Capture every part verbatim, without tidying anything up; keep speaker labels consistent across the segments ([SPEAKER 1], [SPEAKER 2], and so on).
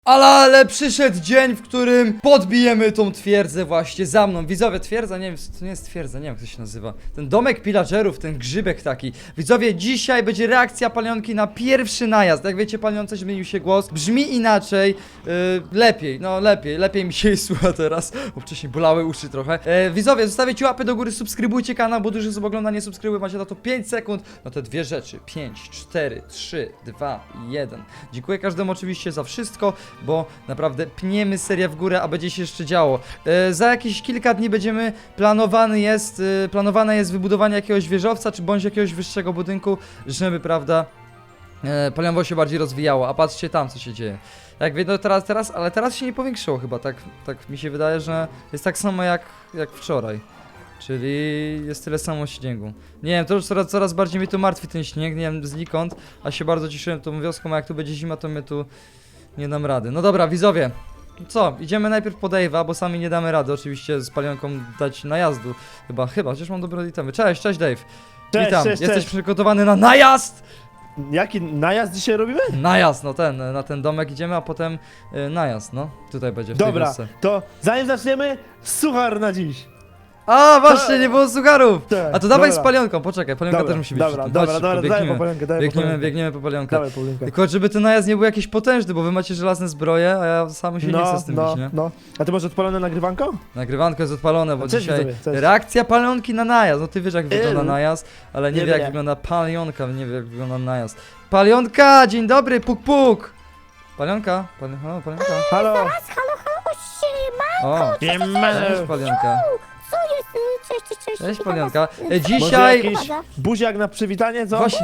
[SPEAKER 1] Ale, ale przyszedł dzień, w którym podbijemy tą twierdzę właśnie za mną. Widzowie, twierdza, nie wiem, to nie jest twierdza, nie wiem jak to się nazywa. Ten domek pillagerów, ten grzybek taki. Widzowie, dzisiaj będzie reakcja Palionki na pierwszy najazd. Jak wiecie, Palionce zmienił się głos, brzmi inaczej, yy, lepiej, no lepiej, lepiej mi się jej słucha teraz, bo wcześniej bolały uszy trochę. Yy, widzowie, zostawiajcie łapy do góry, subskrybujcie kanał, bo dużo osób ogląda, nie subskrybuj, macie na to pięć sekund. No te dwie rzeczy, pięć, cztery, trzy, dwa, jeden. Dziękuję każdemu oczywiście za wszystko, bo naprawdę pniemy serię w górę, a będzie się jeszcze działo. E, za jakieś kilka dni będziemy, planowany jest, e, planowane jest wybudowanie jakiegoś wieżowca, czy bądź jakiegoś wyższego budynku, żeby, prawda, e, Palionwo się bardziej rozwijało, a patrzcie tam, co się dzieje. Jak wiedzą teraz, teraz, ale teraz się nie powiększyło chyba, tak, tak mi się wydaje, że jest tak samo jak, jak wczoraj. Czyli jest tyle samo śniegu. Nie wiem, to już coraz, coraz bardziej mnie tu martwi ten śnieg, nie wiem znikąd, a się bardzo cieszyłem tą wioską, a jak tu będzie zima, to mnie tu nie dam rady. No dobra, widzowie. Co? Idziemy najpierw po Dave'a, bo sami nie damy rady oczywiście z Palionką dać najazdu. Chyba, chyba, chociaż mam dobre itemy. Cześć, cześć Dave.
[SPEAKER 2] Cześć,
[SPEAKER 1] Witam.
[SPEAKER 2] cześć,
[SPEAKER 1] Jesteś
[SPEAKER 2] cześć.
[SPEAKER 1] przygotowany na najazd?
[SPEAKER 2] Jaki najazd dzisiaj robimy?
[SPEAKER 1] Najazd, no ten, na ten domek idziemy, a potem y, najazd, no. Tutaj będzie w tej
[SPEAKER 2] Dobra,
[SPEAKER 1] wiosce.
[SPEAKER 2] to zanim zaczniemy, suchar na dziś.
[SPEAKER 1] A, właśnie, nie było sucharów!
[SPEAKER 2] Tak,
[SPEAKER 1] A to dawaj
[SPEAKER 2] dobra.
[SPEAKER 1] z Palionką, poczekaj, Palionka
[SPEAKER 2] Dobra,
[SPEAKER 1] też musi być.
[SPEAKER 2] dobra,
[SPEAKER 1] przy tym.
[SPEAKER 2] dobra,
[SPEAKER 1] Chodź,
[SPEAKER 2] dobra,
[SPEAKER 1] szybko,
[SPEAKER 2] daj po
[SPEAKER 1] biegniemy,
[SPEAKER 2] Palionkę, daj po
[SPEAKER 1] biegniemy,
[SPEAKER 2] Palionkę.
[SPEAKER 1] biegniemy po Palionkę.
[SPEAKER 2] Dawaj, Paulinka.
[SPEAKER 1] Tylko żeby ten najazd nie był jakiś potężny, bo wy macie żelazne zbroje, a ja sam się nie chcę
[SPEAKER 2] No,
[SPEAKER 1] z tym
[SPEAKER 2] no,
[SPEAKER 1] bić, nie?
[SPEAKER 2] no. A ty masz odpalone nagrywanko?
[SPEAKER 1] Nagrywanko jest odpalone, bo
[SPEAKER 2] A cześć,
[SPEAKER 1] dzisiaj
[SPEAKER 2] widzowie, cześć.
[SPEAKER 1] reakcja Palionki na najazd. No ty wiesz jak wygląda
[SPEAKER 2] Ym.
[SPEAKER 1] najazd, ale nie,
[SPEAKER 2] Nie
[SPEAKER 1] wie jak
[SPEAKER 2] wiem.
[SPEAKER 1] wygląda Palionka, nie wie jak wygląda najazd. Palionka, dzień dobry, puk puk! Palionka, pali o, Palionka.
[SPEAKER 2] Halo?
[SPEAKER 3] Halo, halo, siema!
[SPEAKER 1] O, cześć Palionka.
[SPEAKER 3] Co jest? y, Cześć, cześć, cześć.
[SPEAKER 1] Cześć
[SPEAKER 3] witam
[SPEAKER 1] Palionka.
[SPEAKER 3] was.
[SPEAKER 1] E,
[SPEAKER 2] Może
[SPEAKER 1] dzisiaj...
[SPEAKER 2] jakiś buziak na przywitanie, co?
[SPEAKER 1] Właśnie.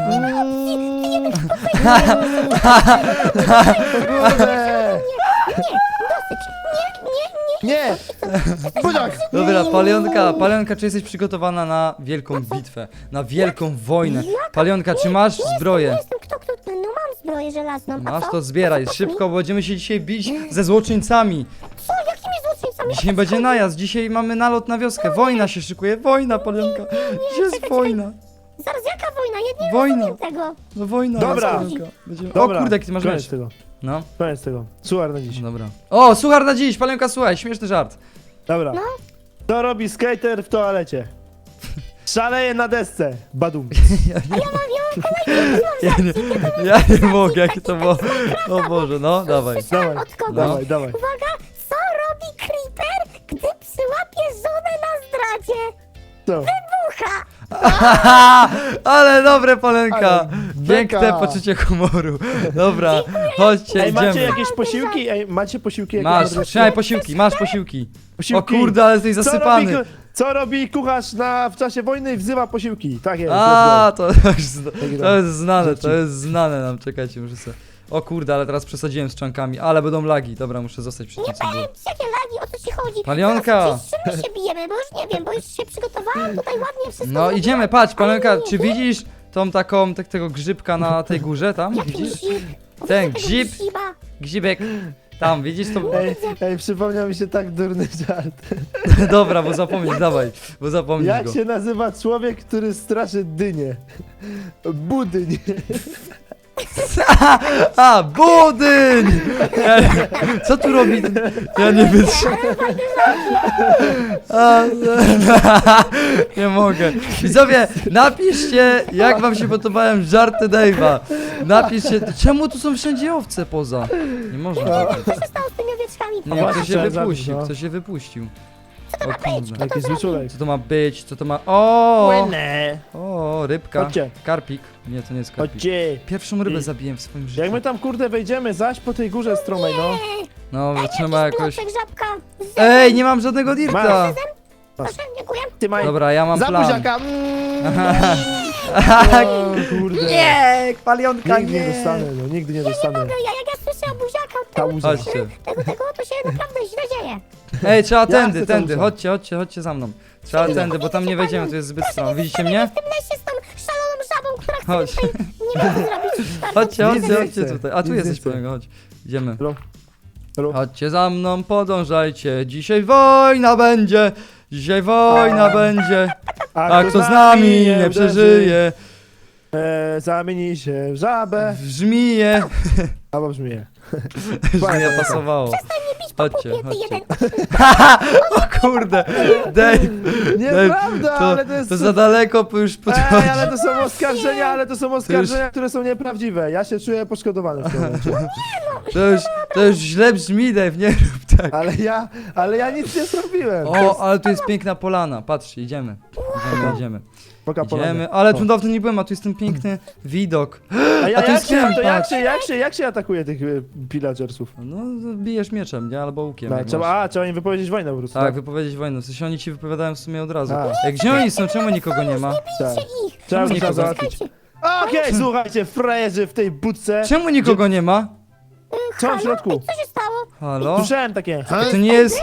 [SPEAKER 2] Kurde!
[SPEAKER 3] Dosyć. Nie, nie, nie.
[SPEAKER 2] Nie! Buziak!
[SPEAKER 1] Dobra, Palionka, Palionka, czy jesteś przygotowana na wielką bitwę? Na wielką wojnę? Palionka, czy masz
[SPEAKER 3] Nie
[SPEAKER 1] zbroję?
[SPEAKER 3] jestem, kto, kto, no mam zbroję żelazną. A
[SPEAKER 1] Masz
[SPEAKER 3] co?
[SPEAKER 1] to zbieraj,
[SPEAKER 3] Co,
[SPEAKER 1] szybko, bo będziemy się dzisiaj bić ze złoczyńcami.
[SPEAKER 3] Co, jakimi złoczyńcami?
[SPEAKER 1] Dzisiaj będzie najazd, dzisiaj mamy nalot na wioskę. Wojna się szykuje, wojna, Palionka. Gdzie jest
[SPEAKER 3] czekaj,
[SPEAKER 1] wojna?
[SPEAKER 3] Zaraz, jaka wojna? Ja nie
[SPEAKER 1] Wojna.
[SPEAKER 3] rozumiem tego.
[SPEAKER 1] No wojna,
[SPEAKER 2] Dobra.
[SPEAKER 1] jest, Palionka. Będziemy... O
[SPEAKER 2] Dobra,
[SPEAKER 1] kurde, jaki ty masz
[SPEAKER 2] koniec
[SPEAKER 1] miecz.
[SPEAKER 2] tego.
[SPEAKER 1] No,
[SPEAKER 2] Koniec tego. Suchar na dziś.
[SPEAKER 1] dobra. O, suchar na dziś, Palionka, słuchaj, śmieszny żart.
[SPEAKER 2] Dobra.
[SPEAKER 3] No.
[SPEAKER 2] Co robi skater w toalecie? Szaleje na desce. Badum.
[SPEAKER 1] Ja nie, ja nie mogę, jakie to było. O Boże, no, dawaj.
[SPEAKER 2] Dawaj,
[SPEAKER 3] Od kogo?
[SPEAKER 1] No.
[SPEAKER 2] dawaj, dawaj.
[SPEAKER 3] Uwaga, co robi Creeper, gdy przyłapie żonę na zdradzie?
[SPEAKER 2] Co?
[SPEAKER 3] Bucha!
[SPEAKER 1] Ale dobre, Palenka.
[SPEAKER 2] Ale
[SPEAKER 1] Piękne
[SPEAKER 2] beka.
[SPEAKER 1] poczucie humoru. Dobra, chodźcie,
[SPEAKER 2] Ej, macie
[SPEAKER 1] idziemy.
[SPEAKER 2] jakieś posiłki? Ej, macie posiłki? jakieś
[SPEAKER 1] Masz,
[SPEAKER 2] dobre?
[SPEAKER 1] trzymaj posiłki, masz posiłki. O
[SPEAKER 2] Posiłki.
[SPEAKER 1] kurde, ale jesteś
[SPEAKER 2] Co robi,
[SPEAKER 1] zasypany.
[SPEAKER 2] ku- co robi kucharz na, w czasie wojny i wzywa posiłki? Tak jest.
[SPEAKER 1] A, to, to, już zna-
[SPEAKER 2] Taki
[SPEAKER 1] to
[SPEAKER 2] tam
[SPEAKER 1] jest znane,
[SPEAKER 2] żarcik.
[SPEAKER 1] to jest znane nam, czekajcie, muszę sobie... O kurde, ale teraz przesadziłem z czankami, ale będą lagi. Dobra, muszę zostać przy
[SPEAKER 3] Nie
[SPEAKER 1] tym, co było.
[SPEAKER 3] powiem, jakie lagi, o co ci chodzi?
[SPEAKER 1] Palionka.
[SPEAKER 3] Zaraz, Z czym my się bijemy, bo już nie wiem, bo już się przygotowałam tutaj ładnie wszystko.
[SPEAKER 1] No
[SPEAKER 3] zrobiłam.
[SPEAKER 1] idziemy, patrz,
[SPEAKER 3] Ale
[SPEAKER 1] Palenka,
[SPEAKER 3] nie,
[SPEAKER 1] czy
[SPEAKER 3] nie.
[SPEAKER 1] widzisz tą taką, tak, tego grzybka na tej górze tam?
[SPEAKER 3] Jaki
[SPEAKER 1] Widzisz?
[SPEAKER 3] grzyb?
[SPEAKER 1] Ten
[SPEAKER 3] Tego
[SPEAKER 1] grzyb.
[SPEAKER 3] grzyba.
[SPEAKER 1] Grzybek. Tam, widzisz to?
[SPEAKER 2] Ej, ej, przypomniał mi się tak durny żart.
[SPEAKER 1] Dobra, bo zapomnisz, dawaj, bo zapomnisz
[SPEAKER 2] Jak
[SPEAKER 1] go.
[SPEAKER 2] się nazywa człowiek, który straszy dynię? Budyń.
[SPEAKER 1] A, budyń! Ja, co tu robi? Ja nie wytrzymam. A, nie mogę. Widzowie, napiszcie, jak wam się podobają żarty Dave'a. Napiszcie, czemu tu są wszędzie owce poza? Nie można. tak.
[SPEAKER 3] Co się stało z tymi owieczkami?
[SPEAKER 1] Nie,
[SPEAKER 2] właśnie,
[SPEAKER 1] ktoś się
[SPEAKER 2] trzeba
[SPEAKER 1] wypuścił,
[SPEAKER 2] zabić, no.
[SPEAKER 1] ktoś się wypuścił.
[SPEAKER 3] Co to
[SPEAKER 1] O
[SPEAKER 3] ma być?
[SPEAKER 1] kurde.
[SPEAKER 3] Kto to
[SPEAKER 2] Jaki zły
[SPEAKER 3] zrobił?
[SPEAKER 2] człowiek.
[SPEAKER 1] Co to ma być? Co to ma... O!
[SPEAKER 2] Łynę.
[SPEAKER 1] O, rybka.
[SPEAKER 2] Chodźcie.
[SPEAKER 1] Karpik. Nie, to nie jest karpik.
[SPEAKER 2] Chodźcie.
[SPEAKER 1] Pierwszą rybę
[SPEAKER 2] I-
[SPEAKER 1] zabiłem w swoim życiu.
[SPEAKER 2] Jak my tam kurde wejdziemy, zaś po tej górze stromej, no.
[SPEAKER 3] Nie,
[SPEAKER 1] No, trzeba jakoś...
[SPEAKER 3] bloczek, żabka. Z
[SPEAKER 1] Ej, nie mam żadnego dirta!
[SPEAKER 2] Masz.
[SPEAKER 3] Proszę, dziękuję.
[SPEAKER 2] Ty maj.
[SPEAKER 1] Dobra, ja mam
[SPEAKER 2] Za
[SPEAKER 1] plan.
[SPEAKER 2] buziaka. Mm. O, kurde.
[SPEAKER 1] Nie, palionka,
[SPEAKER 2] Nigdy nie dostanę, no, nigdy nie dostanę.
[SPEAKER 3] Mogę, ja jak ja słyszę o buziaka od
[SPEAKER 2] Ta
[SPEAKER 3] tego,
[SPEAKER 2] łza.
[SPEAKER 1] Chodźcie.
[SPEAKER 3] tego, tego, to się naprawdę źle dzieje.
[SPEAKER 1] Ej, trzeba
[SPEAKER 2] Ja
[SPEAKER 1] tędy,
[SPEAKER 2] chcę
[SPEAKER 1] tędy,
[SPEAKER 2] tam
[SPEAKER 1] chodźcie, chodźcie, chodźcie za mną. Trzeba tędy, bo tam nie wejdziemy, to jest zbyt stron. Widzicie mnie?
[SPEAKER 3] W tym lesie z tą szaloną żabą, która chce
[SPEAKER 1] Chodź.
[SPEAKER 3] tutaj nie wiem co zrobić. Bardzo
[SPEAKER 1] Chodźcie,
[SPEAKER 2] Nic
[SPEAKER 1] chodźcie,
[SPEAKER 2] nie
[SPEAKER 1] chodźcie
[SPEAKER 2] chcę,
[SPEAKER 1] tutaj. A tu
[SPEAKER 2] nic nie
[SPEAKER 1] jesteś,
[SPEAKER 2] chcę.
[SPEAKER 1] palionka, chodź. Idziemy.
[SPEAKER 2] Halo? Halo?
[SPEAKER 1] Chodźcie za mną, podążajcie. Dzisiaj wojna będzie. Dzisiaj wojna będzie. A kto z nami nie
[SPEAKER 2] uderzy,
[SPEAKER 1] przeżyje,
[SPEAKER 2] E, zamieni się w żabę.
[SPEAKER 1] w żmiję.
[SPEAKER 2] A Albo brzmi.
[SPEAKER 1] Już mi nie pasowało. Chodźcie,
[SPEAKER 3] Kobiety
[SPEAKER 1] chodźcie.
[SPEAKER 3] jeden.
[SPEAKER 1] O kurde, Dave,
[SPEAKER 2] Nieprawda,
[SPEAKER 1] to,
[SPEAKER 2] ale to jest...
[SPEAKER 1] to za daleko bo już
[SPEAKER 2] Ej,
[SPEAKER 1] podchodzi.
[SPEAKER 2] ale to są oskarżenia, ale to są oskarżenia, które są nieprawdziwe. Ja się czuję poszkodowany w tym momencie.
[SPEAKER 1] To już, to już źle brzmi, Dave, nie rób tak.
[SPEAKER 2] Ale ja, ale ja nic nie zrobiłem.
[SPEAKER 1] O, ale tu jest piękna polana, patrzcie, idziemy. Idziemy, idziemy.
[SPEAKER 2] Poka
[SPEAKER 1] Idziemy, ale tu dawno nie byłem, a tu jest ten piękny widok.
[SPEAKER 2] A, ja,
[SPEAKER 1] A tu
[SPEAKER 2] jak,
[SPEAKER 1] jest
[SPEAKER 2] się, to
[SPEAKER 1] kępa.
[SPEAKER 2] jak, się, jak, się, jak się atakuje tych y, pillagersów?
[SPEAKER 1] No, bijesz mieczem, nie? Albo łukiem.
[SPEAKER 2] No,
[SPEAKER 1] jak
[SPEAKER 2] trzeba,
[SPEAKER 1] masz.
[SPEAKER 2] a, trzeba im wypowiedzieć wojnę po prostu.
[SPEAKER 1] Tak, wypowiedzieć wojnę. W sensie oni ci wypowiadają w sumie od razu.
[SPEAKER 2] A.
[SPEAKER 1] Jak gdzie oni są? Czemu nikogo nie ma?
[SPEAKER 2] tak.
[SPEAKER 3] Ich.
[SPEAKER 2] Trzeba ich
[SPEAKER 1] nikogo?
[SPEAKER 2] załatwić. Okej, słuchajcie, frajerzy w tej budce.
[SPEAKER 1] Czemu nikogo nie ma?
[SPEAKER 2] Co w środku?
[SPEAKER 3] Co się stało?
[SPEAKER 1] Halo?
[SPEAKER 2] Słyszałem takie.
[SPEAKER 1] To nie jest...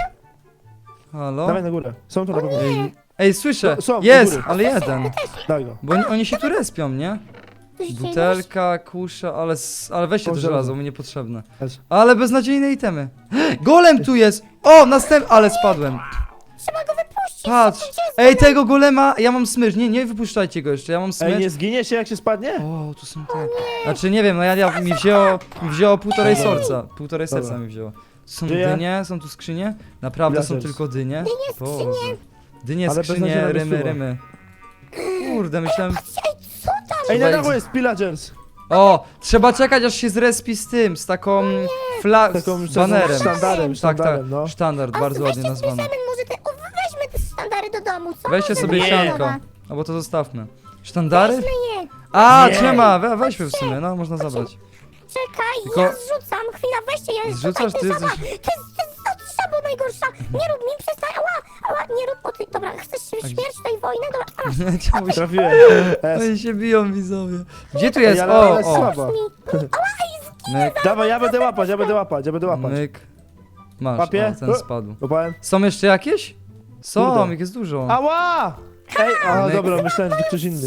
[SPEAKER 1] Halo?
[SPEAKER 2] Dawaj na górę. Są tu na pewno.
[SPEAKER 1] Ej, ej, słyszę!
[SPEAKER 2] No, są, do
[SPEAKER 1] Jest,
[SPEAKER 2] góry.
[SPEAKER 1] ale jeden.
[SPEAKER 2] Daj go.
[SPEAKER 1] Bo oni, oni się tu respią, nie?
[SPEAKER 3] Coś się
[SPEAKER 1] Butelka, kusza, ale, s- ale weźcie to
[SPEAKER 2] O,
[SPEAKER 1] żelazo,
[SPEAKER 2] żelazo.
[SPEAKER 1] mi niepotrzebne.
[SPEAKER 2] Chodź.
[SPEAKER 1] Ale beznadziejne itemy. Golem tu jest! O, następny, ale spadłem.
[SPEAKER 3] Trzeba go wypuścić.
[SPEAKER 1] Patrz!
[SPEAKER 3] Gdzie jest
[SPEAKER 1] Ej, tego golema, ja mam smycz. Nie, nie wypuszczajcie go jeszcze, ja mam
[SPEAKER 2] Ej,
[SPEAKER 1] smycz.
[SPEAKER 2] nie zginie się jak się spadnie?
[SPEAKER 1] O, tu są te. Znaczy nie wiem, no ja, ja mi wzięło, mi wzięło półtorej
[SPEAKER 2] Dobra.
[SPEAKER 1] serca. Półtorej serca
[SPEAKER 2] Dobra.
[SPEAKER 1] mi wzięło. Są
[SPEAKER 2] Żyje?
[SPEAKER 1] dynie, są tu skrzynie? Naprawdę są
[SPEAKER 2] Blazers.
[SPEAKER 1] tylko dynie?
[SPEAKER 3] Dynie,
[SPEAKER 1] Boże.
[SPEAKER 3] skrzynie.
[SPEAKER 1] Dynie,
[SPEAKER 2] Ale
[SPEAKER 1] skrzynie,
[SPEAKER 2] beznadziejna
[SPEAKER 1] rymy,
[SPEAKER 2] rysuwa.
[SPEAKER 1] rymy. Kurde, myślałem...
[SPEAKER 3] Ej, co tam?
[SPEAKER 2] Ej, na
[SPEAKER 1] Wejdź.
[SPEAKER 2] dachu jest pillagers.
[SPEAKER 1] O, trzeba czekać aż się zrespi z tym, z taką fla...
[SPEAKER 2] Taką
[SPEAKER 1] z banerem.
[SPEAKER 2] sztandarem,
[SPEAKER 1] Tak,
[SPEAKER 2] sztandarem,
[SPEAKER 1] tak,
[SPEAKER 2] no.
[SPEAKER 1] sztandard,
[SPEAKER 3] A
[SPEAKER 1] bardzo ładnie
[SPEAKER 3] weźcie
[SPEAKER 1] nazwany.
[SPEAKER 3] zbierzemy może te... O, weźmy te sztandary do domu, co?
[SPEAKER 1] Weźcie
[SPEAKER 3] Może
[SPEAKER 1] sobie
[SPEAKER 3] to
[SPEAKER 1] sianko.
[SPEAKER 3] dobra.
[SPEAKER 1] Albo to zostawmy. Sztandary?
[SPEAKER 3] Weźmy je.
[SPEAKER 1] A,
[SPEAKER 2] Nie.
[SPEAKER 1] trzyma, we, weźmy w sumie, no można zabrać.
[SPEAKER 3] Czekaj,
[SPEAKER 1] Tylko-
[SPEAKER 3] ja zrzucam. Chwila, weźcie je.
[SPEAKER 1] Zrzucasz,
[SPEAKER 3] Słuchaj,
[SPEAKER 1] ty
[SPEAKER 3] to jest
[SPEAKER 1] jesteś-
[SPEAKER 3] żaba. To jest, to jest to żaba najgorsza. Nie rób mi, przestań. Ała, ała, nie rób. O, ty, dobra, chcesz się
[SPEAKER 1] A
[SPEAKER 3] śmierć tej wojny? Dobra, a,
[SPEAKER 1] Czemu się...
[SPEAKER 2] Trafiłem. Es.
[SPEAKER 1] Oni się biją, widzowie. Gdzie tu
[SPEAKER 2] Ej,
[SPEAKER 1] jest?
[SPEAKER 2] ale
[SPEAKER 1] O,
[SPEAKER 2] ona jest
[SPEAKER 1] o.
[SPEAKER 2] słaba.
[SPEAKER 3] mi. Ała, ej,
[SPEAKER 1] Myk,
[SPEAKER 2] Dawaj, ja będę łapać, ja będę łapać, ja będę łapać.
[SPEAKER 1] myk. Masz,
[SPEAKER 2] Łapię?
[SPEAKER 1] o, ten
[SPEAKER 2] O.
[SPEAKER 1] spadł.
[SPEAKER 2] Łapałem.
[SPEAKER 1] Są jeszcze jakieś? Są,
[SPEAKER 2] Kurde.
[SPEAKER 1] ich jest dużo.
[SPEAKER 2] Ała! Ej, a
[SPEAKER 1] Myk.
[SPEAKER 2] dobra, myślałem, że to ktoś inny.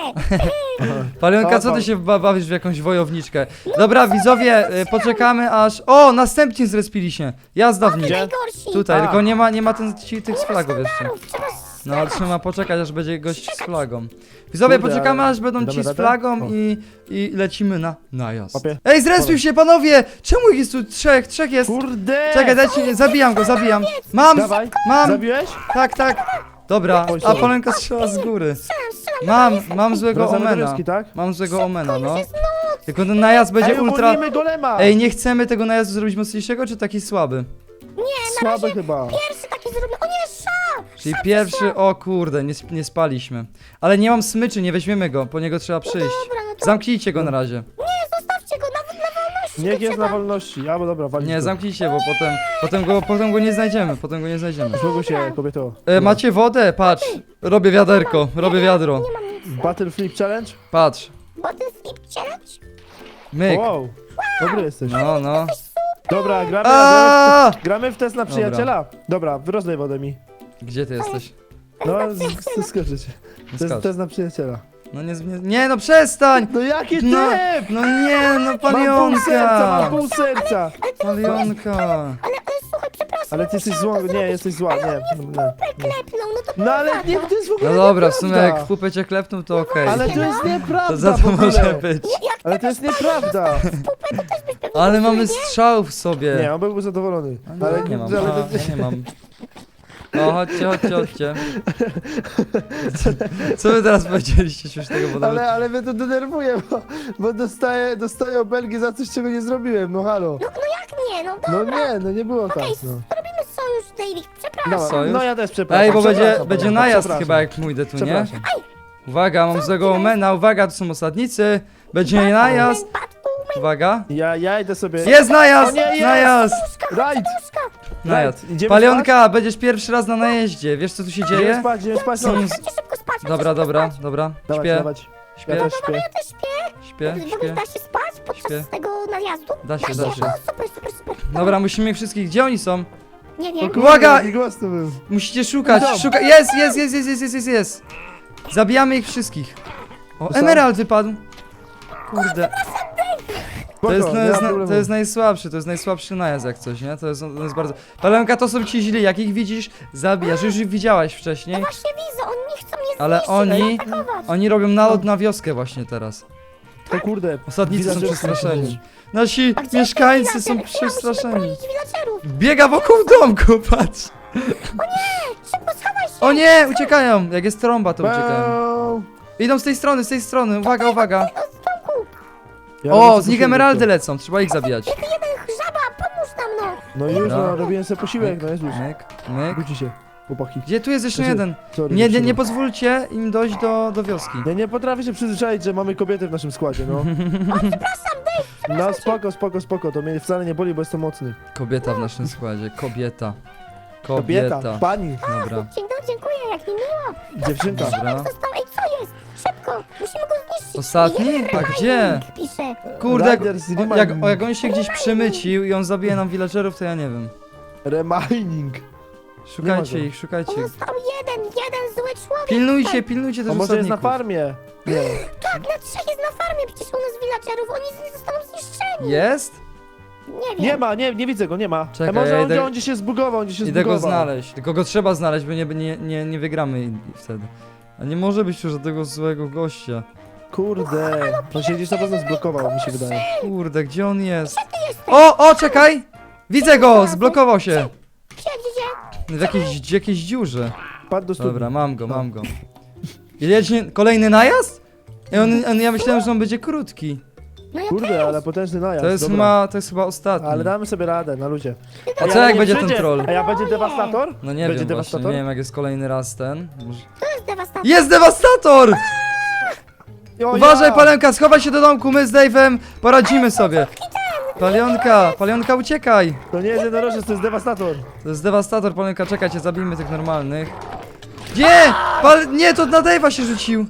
[SPEAKER 1] Palionka,
[SPEAKER 2] O,
[SPEAKER 1] co ty
[SPEAKER 2] pa-
[SPEAKER 1] się ba- bawisz w jakąś wojowniczkę? Dobra, widzowie, y, poczekamy aż... O, następnie zrespili się. Jazda w nich.
[SPEAKER 2] Gdzie?
[SPEAKER 3] najgorsi.
[SPEAKER 1] Tutaj,
[SPEAKER 2] A.
[SPEAKER 1] tylko nie ma, nie ma ten, ci, tych z flagów jeszcze.
[SPEAKER 3] Sztandarów, trzeba
[SPEAKER 1] No, ale trzeba poczekać, aż będzie gość z flagą. Widzowie,
[SPEAKER 2] Kurde,
[SPEAKER 1] poczekamy,
[SPEAKER 2] ale
[SPEAKER 1] aż będą
[SPEAKER 2] damy
[SPEAKER 1] ci z
[SPEAKER 2] radę?
[SPEAKER 1] flagą
[SPEAKER 2] O.
[SPEAKER 1] i, i lecimy na najazd.
[SPEAKER 2] Łapie.
[SPEAKER 1] Ej, zrespił się, panowie! Czemu ich jest tu trzech? Trzech jest.
[SPEAKER 2] Kurde!
[SPEAKER 1] Czekaj, dajcie, zabijam go, zabijam. Mam,
[SPEAKER 2] Dawaj,
[SPEAKER 1] mam,
[SPEAKER 2] zabiłeś?
[SPEAKER 1] tak, tak. Dobra,
[SPEAKER 2] Oj,
[SPEAKER 1] a
[SPEAKER 2] sorry.
[SPEAKER 1] Palenka strzela z góry.
[SPEAKER 3] strzelam, strzelam.
[SPEAKER 1] Mam, mam złego
[SPEAKER 2] Wracamy do
[SPEAKER 1] omena.
[SPEAKER 2] wioski, tak?
[SPEAKER 1] Mam złego omena, no.
[SPEAKER 3] Jest noc.
[SPEAKER 1] Tylko ten najazd będzie
[SPEAKER 2] Ej,
[SPEAKER 1] ultra...
[SPEAKER 2] uwolnijmy golema!
[SPEAKER 1] Ej, nie chcemy tego najazdu zrobić mocniejszego, czy taki słaby?
[SPEAKER 3] Nie, na
[SPEAKER 2] Słabe
[SPEAKER 3] razie
[SPEAKER 2] chyba.
[SPEAKER 3] pierwszy taki zrobię. O nie, szał.
[SPEAKER 1] Czyli pierwszy, o kurde, nie, sp- nie spaliśmy. Ale nie mam smyczy, nie weźmiemy go, po niego trzeba przyjść.
[SPEAKER 3] Dobra, no to
[SPEAKER 1] Zamknijcie go na razie.
[SPEAKER 3] nie, zostawcie go na, na wolności.
[SPEAKER 2] Niech
[SPEAKER 3] go
[SPEAKER 2] jest na
[SPEAKER 3] trzeba.
[SPEAKER 2] wolności. Albo dobra, walić
[SPEAKER 1] Nie,
[SPEAKER 2] go.
[SPEAKER 1] zamknijcie, bo potem, potem, go, potem go nie znajdziemy, potem go nie znajdziemy.
[SPEAKER 2] Złogu się, kobieto.
[SPEAKER 1] E, macie wodę? Patrz, robię wiaderko, robię wiadro.
[SPEAKER 3] Nie mam nic.
[SPEAKER 2] Battle Flip Challenge?
[SPEAKER 1] Patrz,
[SPEAKER 3] Bo to jest flip challenge?
[SPEAKER 1] myk.
[SPEAKER 2] Wow, dobry jesteś.
[SPEAKER 1] No, no.
[SPEAKER 2] Dobra, gramy, gramy,
[SPEAKER 1] A!
[SPEAKER 2] w, gramy w test na przyjaciela. Dobra, wyrozlej wodę mi.
[SPEAKER 1] Gdzie ty jesteś?
[SPEAKER 2] No, z- skoczycie. To jest
[SPEAKER 1] Skacz.
[SPEAKER 2] test na przyjaciela.
[SPEAKER 1] No nie, nie, nie no przestań!
[SPEAKER 2] No jaki typ!
[SPEAKER 1] No, no nie, no
[SPEAKER 2] Mam pół serca, mam
[SPEAKER 1] palionka!
[SPEAKER 2] pół serca!
[SPEAKER 1] Palionka!
[SPEAKER 3] Ale, ale słuchaj, przepraszam.
[SPEAKER 2] Ale ty jesteś zła, nie, jesteś zła, nie. nie.
[SPEAKER 3] Klepnął, no to
[SPEAKER 2] No ale
[SPEAKER 3] prawda.
[SPEAKER 2] nie, to jest w ogóle
[SPEAKER 1] No dobra, w sumie
[SPEAKER 2] nieprawda.
[SPEAKER 1] jak w pupę cię klepnął, to okej.
[SPEAKER 2] Ale to jest
[SPEAKER 1] To
[SPEAKER 2] nieprawda
[SPEAKER 1] za
[SPEAKER 2] w
[SPEAKER 1] to
[SPEAKER 2] ogóle.
[SPEAKER 1] może być.
[SPEAKER 3] Nie, jak
[SPEAKER 2] Ale to jest nieprawda.
[SPEAKER 3] pupę, to też byś pewnie
[SPEAKER 1] Ale
[SPEAKER 3] nie
[SPEAKER 1] mamy
[SPEAKER 3] nie?
[SPEAKER 1] strzał w sobie.
[SPEAKER 2] Nie, on byłby zadowolony.
[SPEAKER 1] No,
[SPEAKER 2] Ale
[SPEAKER 1] nie mam,
[SPEAKER 2] ale-
[SPEAKER 1] a, ja nie mam. No chodźcie, chodźcie, chodźcie. Co, co wy teraz powiedzieliście śmiesznego, bo nawet...
[SPEAKER 2] Ale, ale mnie to denerwuje, bo, bo dostaję, dostaję obelgi za coś, czego nie zrobiłem, no halo.
[SPEAKER 3] No, no jak nie, no
[SPEAKER 2] No
[SPEAKER 3] dobra.
[SPEAKER 2] nie, no nie było tak,
[SPEAKER 3] Okej,
[SPEAKER 2] no.
[SPEAKER 3] robimy sojusz, David, przepraszam.
[SPEAKER 2] No,
[SPEAKER 1] Sojusz?
[SPEAKER 2] no ja też przepraszam.
[SPEAKER 1] Ej, bo będzie,
[SPEAKER 2] przepraszam,
[SPEAKER 1] będzie
[SPEAKER 2] Pawełka,
[SPEAKER 1] najazd
[SPEAKER 2] przepraszam.
[SPEAKER 1] chyba jak pójdę tu, nie?
[SPEAKER 2] Przepraszam.
[SPEAKER 1] Uwaga, mam złego omena, uwaga, tu są osadnicy. Będzie najazd. Uwaga.
[SPEAKER 2] Ja, ja idę sobie...
[SPEAKER 1] Jest najazd!
[SPEAKER 2] O nie, jest!
[SPEAKER 1] Najazd!
[SPEAKER 2] Right!
[SPEAKER 1] Najazd.
[SPEAKER 2] Right, idziemy
[SPEAKER 1] Palionka, będziesz pierwszy raz na najeździe. Wiesz co tu się
[SPEAKER 2] Idziemy
[SPEAKER 1] dzieje?
[SPEAKER 2] spać, idziemy spać, no.
[SPEAKER 1] Są...
[SPEAKER 3] Chodźcie szybko spać, chodźcie
[SPEAKER 1] Dobra,
[SPEAKER 3] szybko
[SPEAKER 1] dobra,
[SPEAKER 3] spać.
[SPEAKER 1] dobra.
[SPEAKER 2] Dawać,
[SPEAKER 1] Śpię,
[SPEAKER 2] dawać.
[SPEAKER 1] śpię,
[SPEAKER 2] Ja też śpię.
[SPEAKER 3] Ja też śpię.
[SPEAKER 1] śpię,
[SPEAKER 3] W ogóle
[SPEAKER 1] śpię.
[SPEAKER 3] da się spać podczas
[SPEAKER 1] Śpię.
[SPEAKER 3] tego najazdu?
[SPEAKER 1] Da się, da się.
[SPEAKER 3] O, super, super, super.
[SPEAKER 1] Dobra, musimy ich wszystkich. Gdzie oni są?
[SPEAKER 3] Nie
[SPEAKER 2] O
[SPEAKER 3] wiem.
[SPEAKER 2] kurde,
[SPEAKER 1] Uwaga!
[SPEAKER 2] jaki głos to był.
[SPEAKER 1] Musicie szukać,
[SPEAKER 2] Dom.
[SPEAKER 1] szukać. Jest, jest, jest, jest, jest, jest, jest, jest. Zabijamy ich wszystkich. O,
[SPEAKER 2] Tu są?
[SPEAKER 1] emerald wypadł. Kurde. To jest,
[SPEAKER 2] Spoko,
[SPEAKER 1] to,
[SPEAKER 2] nie
[SPEAKER 1] jest,
[SPEAKER 2] ma
[SPEAKER 1] na-
[SPEAKER 2] problemu.
[SPEAKER 1] to jest najsłabszy, to jest najsłabszy najazd jak coś, nie? To jest, to jest bardzo... Palenka, to są ci źli, jak ich widzisz, zabijasz. Już ich widziałaś wcześniej,
[SPEAKER 3] Właśnie widzę, oni nie chcą mnie
[SPEAKER 1] ale
[SPEAKER 3] zniszczyć,
[SPEAKER 1] oni,
[SPEAKER 3] zaatakować.
[SPEAKER 1] oni robią nalot na wioskę właśnie teraz.
[SPEAKER 2] To kurde.
[SPEAKER 1] Osadnicy są
[SPEAKER 2] villagerzy
[SPEAKER 1] przestraszeni. Nasi
[SPEAKER 3] A gdzie
[SPEAKER 1] mieszkańcy
[SPEAKER 3] jest
[SPEAKER 1] są
[SPEAKER 3] villager? Ja, musimy
[SPEAKER 1] przestraszeni.
[SPEAKER 3] bronić villagerów.
[SPEAKER 1] Biega wokół domku, patrz.
[SPEAKER 3] Szybko schowaj się.
[SPEAKER 1] O nie, uciekają. Jak jest trąba, to uciekają.
[SPEAKER 2] Bał.
[SPEAKER 1] Idą z tej strony, z tej strony. Uwaga, uwaga.
[SPEAKER 3] O, z domku.
[SPEAKER 2] Ja robię
[SPEAKER 1] O,
[SPEAKER 2] sobie
[SPEAKER 1] z nich
[SPEAKER 2] posiłek,
[SPEAKER 1] emeraldy
[SPEAKER 2] to.
[SPEAKER 1] lecą, trzeba ich zabijać.
[SPEAKER 3] Tylko jeden żaba, pomóż nam no.
[SPEAKER 2] No już,
[SPEAKER 1] Dobra.
[SPEAKER 2] no, robiłem sobie posiłek, no Jezus.
[SPEAKER 1] Myk, myk.
[SPEAKER 2] Budzi się, chłopaki.
[SPEAKER 1] Gdzie tu jest jeszcze
[SPEAKER 2] Znaczy,
[SPEAKER 1] jeden?
[SPEAKER 2] Sorry,
[SPEAKER 1] Nie, nie,
[SPEAKER 2] dziewczyno.
[SPEAKER 1] nie pozwólcie im dojść do, do wioski.
[SPEAKER 2] Ja nie potrafię się przyzwyczaić, że mamy kobiety w naszym składzie, no.
[SPEAKER 3] Przepraszam, Dave.
[SPEAKER 2] No spoko, spoko, spoko, to mnie wcale nie boli, bo jestem mocny.
[SPEAKER 1] Kobieta w naszym składzie, kobieta.
[SPEAKER 2] Kobieta,
[SPEAKER 1] Kobieta.
[SPEAKER 2] pani,
[SPEAKER 1] Dobra,
[SPEAKER 3] Dzień dobry, dziękuję, jak mi miło.
[SPEAKER 2] dziewczynka.
[SPEAKER 1] dobra.
[SPEAKER 3] Został, ej, co jest? Szybko, musimy go zniszczyć.
[SPEAKER 1] Ostatni?
[SPEAKER 3] Jeden
[SPEAKER 1] A gdzie?
[SPEAKER 3] remaining Pisze.
[SPEAKER 1] Kurde, jak,
[SPEAKER 2] Riders
[SPEAKER 1] o,
[SPEAKER 2] Remining.
[SPEAKER 1] jak, o, jak on się gdzieś przemycił i on zabije nam villagerów, to ja nie wiem.
[SPEAKER 2] Remining.
[SPEAKER 1] Szukajcie
[SPEAKER 2] Nie ma go.
[SPEAKER 1] ich, szukajcie ich.
[SPEAKER 3] Został jeden, jeden zły człowiek.
[SPEAKER 1] Pilnujcie, pilnujcie
[SPEAKER 2] A
[SPEAKER 1] też
[SPEAKER 2] może jest na
[SPEAKER 1] osadników.
[SPEAKER 2] farmie? Nie.
[SPEAKER 3] Tak, na trzech jest na farmie, przecież u nas villagerów, oni z- zostaną zniszczeni.
[SPEAKER 1] Jest?
[SPEAKER 3] Nie wiem.
[SPEAKER 2] Nie ma, nie, nie widzę go, nie ma.
[SPEAKER 1] Czekaj,
[SPEAKER 2] A może
[SPEAKER 1] ja
[SPEAKER 2] on,
[SPEAKER 1] idę-
[SPEAKER 2] on gdzieś się zbugował, on gdzieś się
[SPEAKER 1] Idę go
[SPEAKER 2] zbugował.
[SPEAKER 1] znaleźć. Tylko go trzeba znaleźć, bo nie, nie, nie, nie wygramy i- i wtedy. A nie może być już żadnego złego gościa.
[SPEAKER 2] Kurde, on się gdzieś na pewno zblokował, mi się wydaje.
[SPEAKER 1] Kurde, gdzie on jest?
[SPEAKER 3] Ty jesteś.
[SPEAKER 1] O, o, czekaj! Widzę go, zblokował się.
[SPEAKER 3] Gdzie, gdzie, gdzie?
[SPEAKER 1] W jakiejś, w jakiejś dziurze.
[SPEAKER 2] Padł do studni.
[SPEAKER 1] Dobra, mam go, mam go. I leci kolejny najazd? I on, on, ja myślałem, że on będzie krótki.
[SPEAKER 3] No ja
[SPEAKER 2] Kurde,
[SPEAKER 3] też.
[SPEAKER 2] ale potężny najazd,
[SPEAKER 1] To jest
[SPEAKER 2] dobra.
[SPEAKER 1] chyba, to jest chyba ostatni.
[SPEAKER 2] Ale damy sobie radę, na ludzie.
[SPEAKER 1] A
[SPEAKER 2] Ej,
[SPEAKER 1] co
[SPEAKER 2] ale
[SPEAKER 1] jak
[SPEAKER 2] nie
[SPEAKER 1] będzie ten
[SPEAKER 2] przyjdzie-
[SPEAKER 1] troll?
[SPEAKER 2] A ja będzie dewastator?
[SPEAKER 1] No nie
[SPEAKER 2] Będzie
[SPEAKER 1] wiem właśnie,
[SPEAKER 2] dewastator?
[SPEAKER 1] nie wiem jak jest kolejny raz ten. Może...
[SPEAKER 3] To jest dewastacja.
[SPEAKER 1] Jest dewastator!
[SPEAKER 2] O,
[SPEAKER 1] Uważaj,
[SPEAKER 2] ja!
[SPEAKER 1] Palenka, schowaj się do domku, my z Dave'em poradzimy sobie. Palionka, Palionka, uciekaj!
[SPEAKER 2] To nie jest jednorożec, to jest dewastator.
[SPEAKER 1] To jest dewastator, Palionka, czekajcie, zabijmy tych normalnych. Gdzie? Pal... Nie, to na Dave'a się rzucił.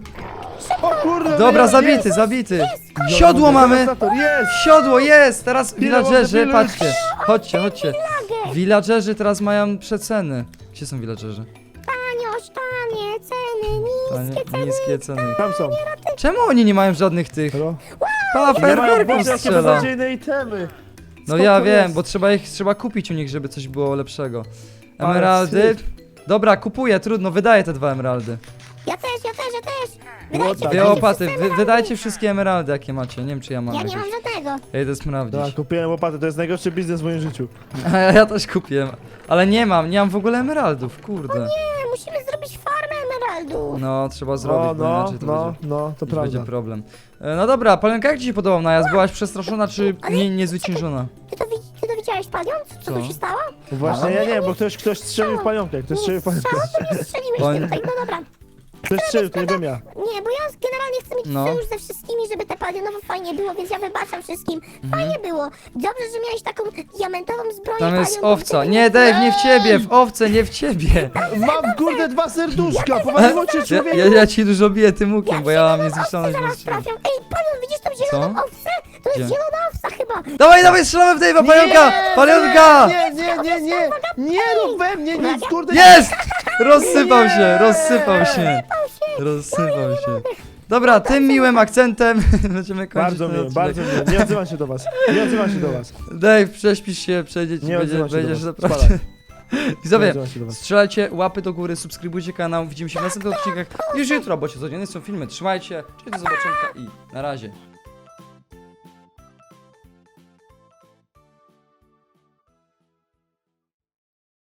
[SPEAKER 2] O kurde,
[SPEAKER 1] Dobra,
[SPEAKER 2] jest,
[SPEAKER 1] zabity,
[SPEAKER 2] jest.
[SPEAKER 1] zabity. Siodło mamy!
[SPEAKER 2] Dewastator, jest!
[SPEAKER 1] Siodło jest! Teraz villagerzy,
[SPEAKER 2] village.
[SPEAKER 1] patrzcie. Chodźcie, chodźcie. Villagerzy teraz mają przeceny. Gdzie są villagerzy?
[SPEAKER 3] Taniość, tanie, ceny,
[SPEAKER 1] Tanie,
[SPEAKER 3] niskie ceny.
[SPEAKER 1] niskie ceny.
[SPEAKER 2] Tam są.
[SPEAKER 1] Czemu oni nie mają żadnych tych?
[SPEAKER 2] Halo?
[SPEAKER 1] Pa,
[SPEAKER 2] Nie mają,
[SPEAKER 1] fajerwerków
[SPEAKER 2] Boże, jakie
[SPEAKER 1] strzela.
[SPEAKER 2] beznadziejne itemy.
[SPEAKER 1] No
[SPEAKER 2] Skąd
[SPEAKER 1] ja
[SPEAKER 2] to
[SPEAKER 1] wiem,
[SPEAKER 2] jest?
[SPEAKER 1] bo trzeba ich trzeba kupić u nich, żeby coś było lepszego.
[SPEAKER 2] Ale
[SPEAKER 1] Emeraldy.
[SPEAKER 2] wstyd.
[SPEAKER 1] Dobra, kupuję, trudno, wydaję te dwa emeraldy.
[SPEAKER 3] Ja też, ja też, ja też.
[SPEAKER 2] What
[SPEAKER 3] Wydajcie,
[SPEAKER 2] the-
[SPEAKER 1] Dwie
[SPEAKER 3] wydajcie
[SPEAKER 1] łopaty,
[SPEAKER 3] wszyscy
[SPEAKER 1] wy,
[SPEAKER 3] emeraldy.
[SPEAKER 1] wydajcie wszystkie emeraldy, jakie macie. Nie wiem, czy ja mam
[SPEAKER 3] Ja nie
[SPEAKER 1] jakieś.
[SPEAKER 3] mam żadnego.
[SPEAKER 1] Ja idę sprawdzić.
[SPEAKER 2] Tak, kupiłem łopatę, to jest najgorszy biznes w moim życiu.
[SPEAKER 1] A ja, ja też kupiłem. Ale nie mam, nie mam w ogóle emeraldów, kurde.
[SPEAKER 3] Nie, musimy zrobić farmę emeraldów.
[SPEAKER 1] No, trzeba zrobić,
[SPEAKER 2] O,
[SPEAKER 1] bo
[SPEAKER 2] no,
[SPEAKER 1] inaczej to
[SPEAKER 2] no,
[SPEAKER 1] będzie,
[SPEAKER 2] no, to
[SPEAKER 1] już będzie
[SPEAKER 2] prawda.
[SPEAKER 1] problem. E, No dobra, Palenka, jak ci się podobał najazd? Byłaś przestraszona, czy nie, niezwyciężona?
[SPEAKER 3] Ty to, widz- ty to widziałeś, Palion? Co, co
[SPEAKER 1] Co?
[SPEAKER 3] tu się stało?
[SPEAKER 2] Właśnie, ja nie, bo ktoś, ktoś strzelił w palionkę, ktoś strzelił w palionkę.
[SPEAKER 3] Strzała, to nie strzeliłeś
[SPEAKER 1] Bo-
[SPEAKER 3] tutaj, no dobra.
[SPEAKER 2] Ktoś strzelił, to nie byłem ja.
[SPEAKER 3] Nie, bo ja generalnie chcę mieć
[SPEAKER 1] No.
[SPEAKER 3] sojusz ze wszystkimi, żeby te palionowo fajnie było, więc ja wybaczam wszystkim.
[SPEAKER 1] Mhm.
[SPEAKER 3] Fajnie było. Dobrze, że miałeś taką diamentową zbroję.
[SPEAKER 1] Tam jest
[SPEAKER 3] Palion, bo
[SPEAKER 1] owca.
[SPEAKER 3] wtedy
[SPEAKER 1] Nie, Dave, nie w ciebie, w owce, nie w ciebie.
[SPEAKER 2] Mam kurde dwa serduszka, powaliło cię
[SPEAKER 1] Ja,
[SPEAKER 2] człowieku!
[SPEAKER 1] ja, ja ci dużo biję tym łukiem, bo ja mam
[SPEAKER 3] zieloną
[SPEAKER 1] niezniszczalność.
[SPEAKER 3] owcę
[SPEAKER 1] więc-
[SPEAKER 3] zaraz trafią. Ej, Palion, widzisz tą zieloną
[SPEAKER 1] Co?
[SPEAKER 3] owcę? To jest
[SPEAKER 1] Gdzie?
[SPEAKER 3] zielona owca chyba.
[SPEAKER 1] Dawaj, dawaj, strzelamy w Dave'a, Palionka! Palionka!
[SPEAKER 2] Nie, nie, nie, nie! Nie rób we mnie nic, kurde!
[SPEAKER 1] Jest! Rozsypał się, rozsypał się. Rozsypał się. Dobra, tym miłym akcentem będziemy kończyć
[SPEAKER 2] Bardzo
[SPEAKER 1] ten
[SPEAKER 2] miło,
[SPEAKER 1] odcinek.
[SPEAKER 2] bardzo miło. Nie odzywam się do was. Nie odzywam się do was.
[SPEAKER 1] Dave, prześpisz się, przejdzie ci,
[SPEAKER 2] Nie
[SPEAKER 1] będzie,
[SPEAKER 2] odzywam się
[SPEAKER 1] będziesz
[SPEAKER 2] do was.
[SPEAKER 1] naprawdę...
[SPEAKER 2] Spadaj. Nie
[SPEAKER 1] Widzowie,
[SPEAKER 2] odzywam się do was.
[SPEAKER 1] strzelajcie łapy do góry, subskrybujcie kanał, widzimy się w następnych odcinkach już jutro, bo się codziennie są filmy. Trzymajcie, cześć, do zobaczenia i na razie.